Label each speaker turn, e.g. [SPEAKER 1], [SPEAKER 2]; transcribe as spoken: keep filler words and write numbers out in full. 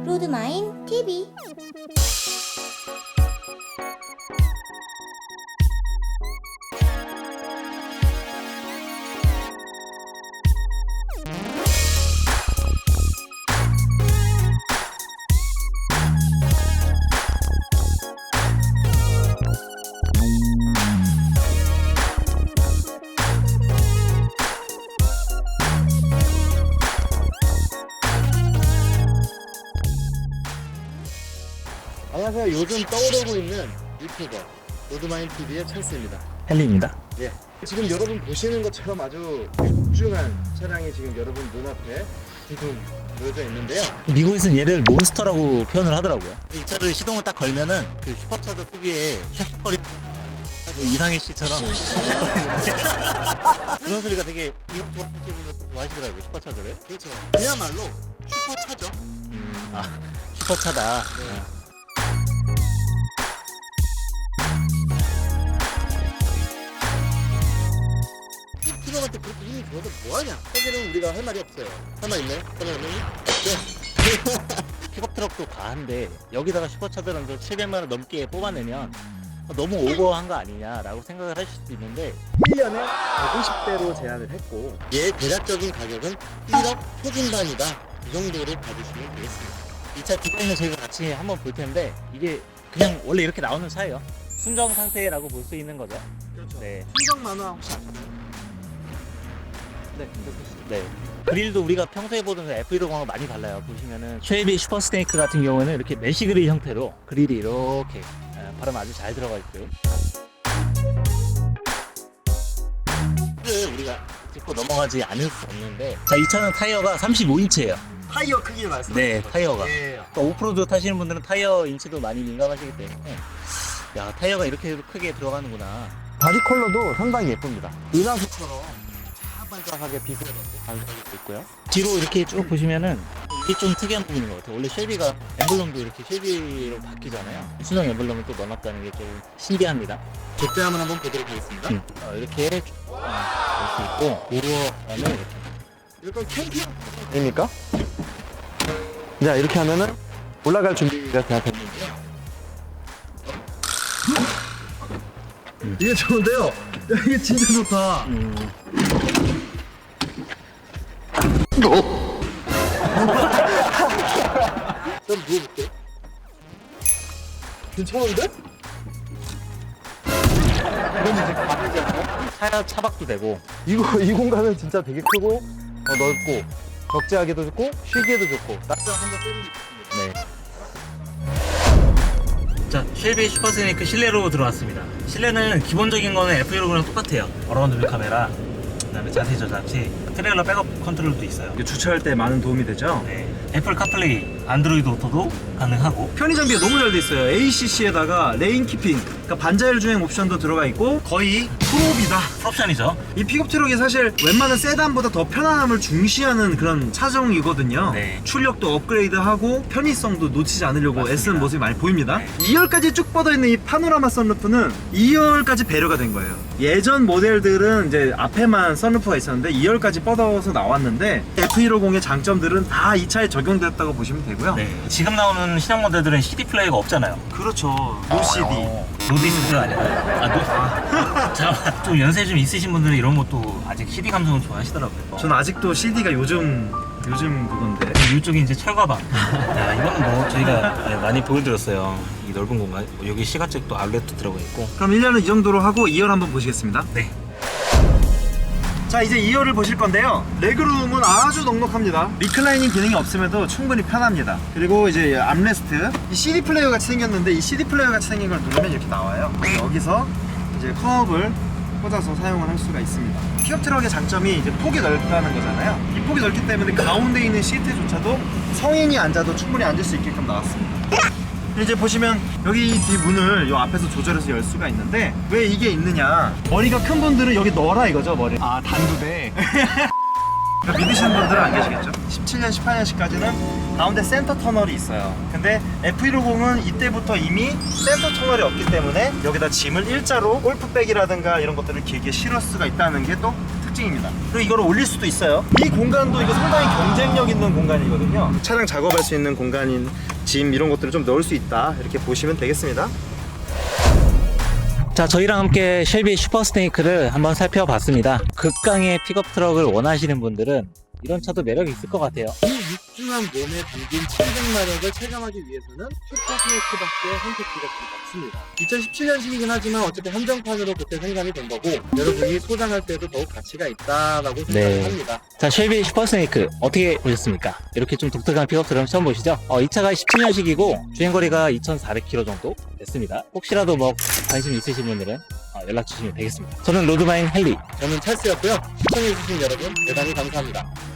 [SPEAKER 1] 로드마인 티비.
[SPEAKER 2] 안녕하세요. 요즘 떠오르고 있는 유튜버 로드마인 티비의 찰스입니다.
[SPEAKER 3] 헨리입니다.
[SPEAKER 2] 예. 지금 여러분 보시는 것처럼 아주 육중한 차량이 지금 여러분 눈앞에 지금 놓여져 있는데요.
[SPEAKER 3] 미국에서는 얘를 몬스터라고 표현을 하더라고요. 이 차를 시동을 딱 걸면은 그 슈퍼차저 특유의 샥거리 이상희 씨처럼 그런 소리가 되게 이것저것 좋아하시더라고요. 슈퍼차저를.
[SPEAKER 2] 그렇죠. 그야말로 슈퍼차죠.
[SPEAKER 3] 음, 아 슈퍼차다.
[SPEAKER 2] 네. 킬로미터 그렇게 힘이 좋아서 뭐하냐? 사실은 우리가 할 말이 없어요. 할 말 있나요? 할 말 있나요? 없죠?
[SPEAKER 3] 픽업 트럭도 과한데 여기다가 슈퍼차저를 좀 칠백만 원 넘게 뽑아내면 너무 오버한 거 아니냐라고 생각을 하실 수도 있는데
[SPEAKER 2] 일 년에 백오십 대로 제한을 했고 얘 대략적인 가격은 일억 초중반이다. 이 정도로 봐주시면 되겠습니다.
[SPEAKER 3] 이 차 디자인을 저희가 같이 한번 볼 텐데 이게 그냥 원래 이렇게 나오는 차예요. 순정 상태라고 볼 수 있는 거죠.
[SPEAKER 2] 그렇죠.
[SPEAKER 3] 네.
[SPEAKER 2] 순정 만화 혹시 아시나요? 네,
[SPEAKER 3] 네. 그릴도 우리가 평소에 보던 에프 백십하고 많이 달라요. 보시면은 쉐이비 슈퍼스테이크 같은 경우에는 이렇게 메쉬 그릴 형태로 그릴이 이렇게 바람 아주 잘 들어가 있고요. 를 우리가 짚고 넘어가지 않을 수 없는데, 자, 이 차는 타이어가 삼십오 인치예요.
[SPEAKER 2] 타이어 크기를 말씀.
[SPEAKER 3] 네, 타이어가.
[SPEAKER 2] 예.
[SPEAKER 3] 그러니까 오프로드 타시는 분들은 타이어 인치도 많이 민감하시기 때문에 야, 타이어가 이렇게 크게 들어가는구나.
[SPEAKER 2] 바디 컬러도 상당히 예쁩니다. 은하수처럼 반짝반짝하게 빛을 반사하고 있고요.
[SPEAKER 3] 뒤로 이렇게 쭉 보시면은 이게 좀 특이한 부분인 것 같아요. 원래 쉘비가 엠블럼도 이렇게 쉘비로 바뀌잖아요. 순정 엠블럼을 또 넣어놨다는 게 좀 신기합니다.
[SPEAKER 2] 제때함을 한번 보도록 하겠습니다.
[SPEAKER 3] 음. 어, 이렇게 쭉 볼 수 있고 도어는 이렇게.
[SPEAKER 2] 이건 캠핑입니까? 자, 이렇게 하면은 올라갈 준비가 다 됐는데요. 음. 이게 좋은데요? 야, 이게 진짜 좋다.
[SPEAKER 3] 음.
[SPEAKER 2] 그럼 누워볼게. 괜찮은데? 그럼 이제 가되지 않나요?
[SPEAKER 3] 차 차박도 되고.
[SPEAKER 2] 이거 이 공간은 진짜 되게 크고 어, 넓고 적재하기도 좋고 쉬기에도 좋고 낮잠 한번 때리기 좋습니다.
[SPEAKER 3] 네. 자, 쉘비 슈퍼스네이크 실내로 들어왔습니다. 실내는 기본적인 거는 에프 백십이랑 똑같아요. 어라운드 뷰 카메라, 그다음에 자세 저잡시, 트레일러 백업 컨트롤도 있어요.
[SPEAKER 4] 이게 주차할 때 많은 도움이 되죠.
[SPEAKER 3] 네. 애플 카플레이, 안드로이드 오토도 가능하고.
[SPEAKER 4] 편의 장비가 너무 잘 돼 있어요. 에이씨씨에다가 레인 키핑, 그러니까 반자율 주행 옵션도 들어가 있고 거의 프로비다.
[SPEAKER 3] 풀옵션이죠.
[SPEAKER 4] 이 픽업 트럭이 사실 웬만한 세단보다 더 편안함을 중시하는 그런 차종이거든요.
[SPEAKER 3] 네.
[SPEAKER 4] 출력도 업그레이드하고 편의성도 놓치지 않으려고
[SPEAKER 3] 맞습니다.
[SPEAKER 4] 애쓰는 모습이 많이 보입니다.
[SPEAKER 3] 네.
[SPEAKER 4] 이 열까지 쭉 뻗어있는 이 파노라마 선루프는 이 열까지 배려가 된 거예요. 예전 모델들은 이제 앞에만 선루프가 있었는데 이 열까지 뻗어서 나왔는데 에프 백십의 장점들은 다 이 차에 적용됐다고 보시면 되고요.
[SPEAKER 3] 네. 지금 나오는 신형 모델들은 씨디 플레이어가 없잖아요.
[SPEAKER 4] 그렇죠. 노씨디.
[SPEAKER 3] 어, 노디스가 아니라. 아, 노. 아, 잠깐만. 좀 연세 좀 있으신 분들은 이런 것도 아직 씨디 감성을 좋아하시더라고요.
[SPEAKER 4] 저는 아직도 씨디가 요즘 요즘 그건데.
[SPEAKER 3] 이쪽이 이제 철가방. 야, 이거는 뭐 저희가 네, 많이 보여드렸어요. 이 넓은 공간. 여기 시가책도 아울렛도 들어가 있고.
[SPEAKER 4] 그럼 일 년은 이 정도로 하고 이 열 한번 보시겠습니다.
[SPEAKER 3] 네.
[SPEAKER 4] 자, 이제 이 열을 보실 건데요. 레그룸은 아주 넉넉합니다. 리클라이닝 기능이 없음에도 충분히 편합니다. 그리고 이제 암레스트, 이 씨디 플레이어 같이 생겼는데 이 씨디 플레이어 같이 생긴 걸 누르면 이렇게 나와요. 여기서 이제 컵을 꽂아서 사용을 할 수가 있습니다. 픽업 트럭의 장점이 이제 폭이 넓다는 거잖아요. 이 폭이 넓기 때문에 가운데 있는 시트조차도 성인이 앉아도 충분히 앉을 수 있게끔 나왔습니다. 이제 보시면 여기 이 뒷문을 이 앞에서 조절해서 열 수가 있는데 왜 이게 있느냐, 머리가 큰 분들은 여기 넣어라 이거죠, 머리. 아, 단두대. 믿으시는 분들은 안 계시겠죠? 십칠 년, 십팔 년씩까지는 가운데 센터 터널이 있어요. 근데 에프 백십은 이때부터 이미 센터 터널이 없기 때문에 여기다 짐을 일자로 골프백이라든가 이런 것들을 길게 실을 수가 있다는 게 또 특징입니다. 그리고 이거를 올릴 수도 있어요. 이 공간도 이거 상당히 경쟁력 있는 공간이거든요. 차량 작업할 수 있는 공간인 짐 이런 것들을 좀 넣을 수 있다 이렇게 보시면 되겠습니다.
[SPEAKER 3] 자, 저희랑 함께 쉘비 슈퍼스네이크를 한번 살펴봤습니다. 극강의 픽업 트럭을 원하시는 분들은 이런 차도 매력이 있을 것 같아요.
[SPEAKER 2] 이 육중한 몸에 담긴 칠백 마력을 체감하기 위해서는 슈퍼스네이크밖에 선택지가 없습니다. 이천십칠 년식이긴 하지만 어쨌든 한정판으로 그때 생산이 된 거고 여러분이 소장할 때도 더욱 가치가 있다라고 생각을
[SPEAKER 3] 네.
[SPEAKER 2] 합니다.
[SPEAKER 3] 자, 쉘비 슈퍼스네이크 어떻게 보셨습니까? 이렇게 좀 독특한 픽업 트럭 처음 보시죠? 어, 이 차가 십칠 년식이고 주행거리가 이천사백 킬로미터 정도 됐습니다. 혹시라도 뭐 관심 있으신 분들은 어, 연락 주시면 되겠습니다. 저는 로드마인 헨리.
[SPEAKER 2] 저는 찰스였고요. 시청해주신 여러분 대단히 감사합니다.